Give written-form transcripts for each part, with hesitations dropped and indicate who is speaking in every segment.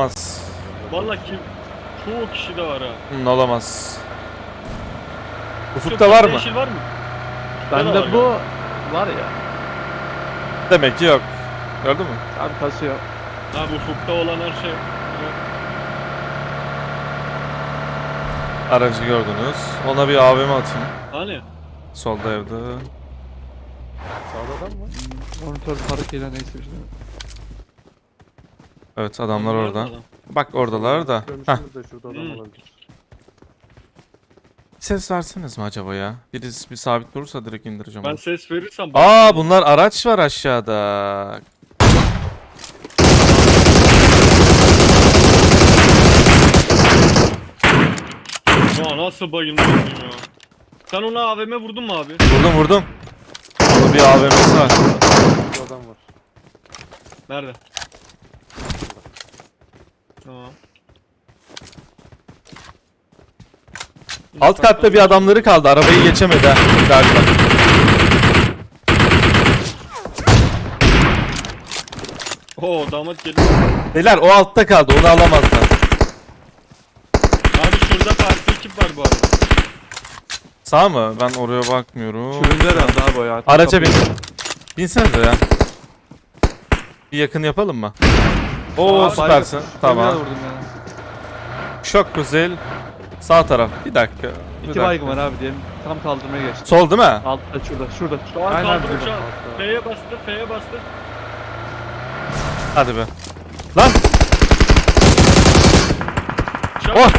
Speaker 1: olamaz.
Speaker 2: Vallahi kim? Çoğu kişi de var ha.
Speaker 1: Olamaz. Ufukta var mı?
Speaker 2: Yeşil var mı?
Speaker 3: Bende bu var ya.
Speaker 1: Demek ki yok. Gördün mü?
Speaker 3: Abi kasıyor.
Speaker 2: Abi ufukta olan her şey.
Speaker 1: Aracı gördünüz. Ona bir AVM atayım.
Speaker 2: Hani?
Speaker 1: Solda evde.
Speaker 4: Sağda adam mı?
Speaker 3: Monitör farkıyla neyse işte.
Speaker 1: Evet adamlar
Speaker 2: Nerede
Speaker 1: orada.
Speaker 2: adam?
Speaker 1: Bak oradalar da. Heh.
Speaker 4: Dönüşümüz de şurada adam
Speaker 2: Hmm.
Speaker 4: olabilir.
Speaker 1: Ses verseniz mi acaba ya? Birisi bir sabit durursa direkt indireceğim
Speaker 2: Ben
Speaker 1: onu.
Speaker 2: ses verirsem...
Speaker 1: Aa bunlar araç var aşağıda.
Speaker 2: Ya nasıl bayılmışım ya. Sen ona AVM vurdun mu abi?
Speaker 1: Vurdum. Onun bir AVM'si var.
Speaker 4: Burada adam var.
Speaker 2: Nerede? Tamam.
Speaker 1: Alt katta bir adamları kaldı. Arabayı geçemedi ha galiba.
Speaker 2: Oo damat geliyor.
Speaker 1: Beyler o altta kaldı. Onu alamazlar.
Speaker 2: Abi şurada farklı ekip var bu arada.
Speaker 1: Sağ mı? Ben oraya bakmıyorum.
Speaker 3: Süründü herhalde abi o ya.
Speaker 1: Araca bin. Binsenize ya. Bir yakın yapalım mı? Oo
Speaker 3: Aa,
Speaker 1: süpersin.
Speaker 3: baygın.
Speaker 1: Tamam.
Speaker 3: Vurdum ya.
Speaker 1: Çok güzel. Sağ taraf. Bir dakika. Bir
Speaker 3: İki
Speaker 1: dakika.
Speaker 3: baygın var abi diyelim. Tam kaldırmaya geçti.
Speaker 1: Sol değil mi?
Speaker 3: Altta şurada.
Speaker 2: Şu an
Speaker 3: Aynen
Speaker 2: kaldırım
Speaker 3: burada.
Speaker 2: şu an. F'ye bastı, F'ye bastı.
Speaker 1: Hadi be. Lan!
Speaker 2: Çabuk.
Speaker 1: Oh!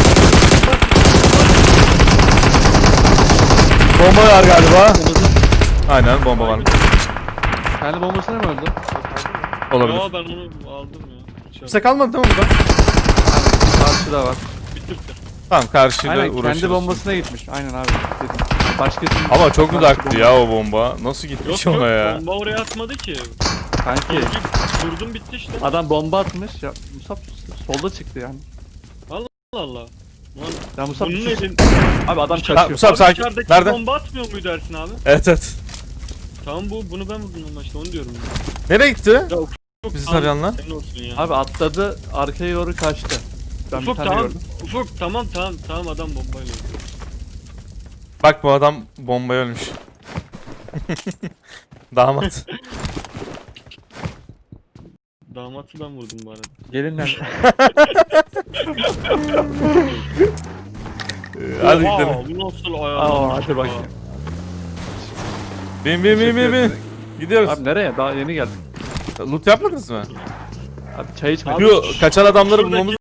Speaker 1: Bomba var galiba. Aynen bomba var.
Speaker 3: Kendi bombasına mı öldü?
Speaker 1: Olabilir.
Speaker 2: Ya ben onu aldım ya.
Speaker 1: Kimse kalmadı değil mi burada?
Speaker 3: Karşıda var.
Speaker 2: Bitti.
Speaker 1: Tamam karşıyla
Speaker 3: Aynen
Speaker 1: uğraşırız.
Speaker 3: kendi bombasına gitmiş. Aynen abi. Dedim. Başkasının...
Speaker 1: Ama çok
Speaker 3: Karşı
Speaker 1: uzaktı
Speaker 3: bomba.
Speaker 1: ya o bomba. Nasıl gitmiş
Speaker 2: Yok
Speaker 1: ona ya?
Speaker 2: bomba oraya atmadı ki.
Speaker 3: Kanki
Speaker 2: Vurdum bitti işte.
Speaker 3: adam bomba atmış. Ya Musab solda çıktı yani.
Speaker 2: Allah Allah. Lan
Speaker 3: Ya Musab
Speaker 2: bunun elin...
Speaker 3: Abi adam
Speaker 2: Dışarı-
Speaker 3: kaçıyor.
Speaker 1: Musab sakin.
Speaker 2: Dışarıdaki
Speaker 1: Nerede?
Speaker 2: bomba atmıyor muydu Ersin abi?
Speaker 1: Evet.
Speaker 2: Tamam bunu ben vurdum ama işte onu diyorum.
Speaker 1: Nereye gitti?
Speaker 2: Ya Ufuk
Speaker 1: Bizi
Speaker 2: tamam,
Speaker 1: tarayanlar.
Speaker 2: senin olsun ya.
Speaker 3: Abi atladı arkaya doğru kaçtı. Ben
Speaker 2: Ufuk
Speaker 3: bir tane
Speaker 2: tamam.
Speaker 3: gördüm.
Speaker 2: Ufuk tamam adam bombayla öldü.
Speaker 1: Bak bu adam bombaya ölmüş. Damat.
Speaker 2: Damatı ben vurdum bu arada.
Speaker 3: Gelin lan.
Speaker 1: Hadi
Speaker 2: Oha,
Speaker 1: gidelim.
Speaker 2: bu nasıl
Speaker 3: Aa
Speaker 2: ayarlanmış?
Speaker 3: hadi bakayım.
Speaker 1: Bin. Gidiyoruz.
Speaker 3: Abi nereye? Daha yeni geldik.
Speaker 1: Loot yapmadınız mı?
Speaker 3: Abi çay içmek.
Speaker 2: Abi
Speaker 1: Şu kaçan adamları
Speaker 2: şuradaki-
Speaker 1: bulmamız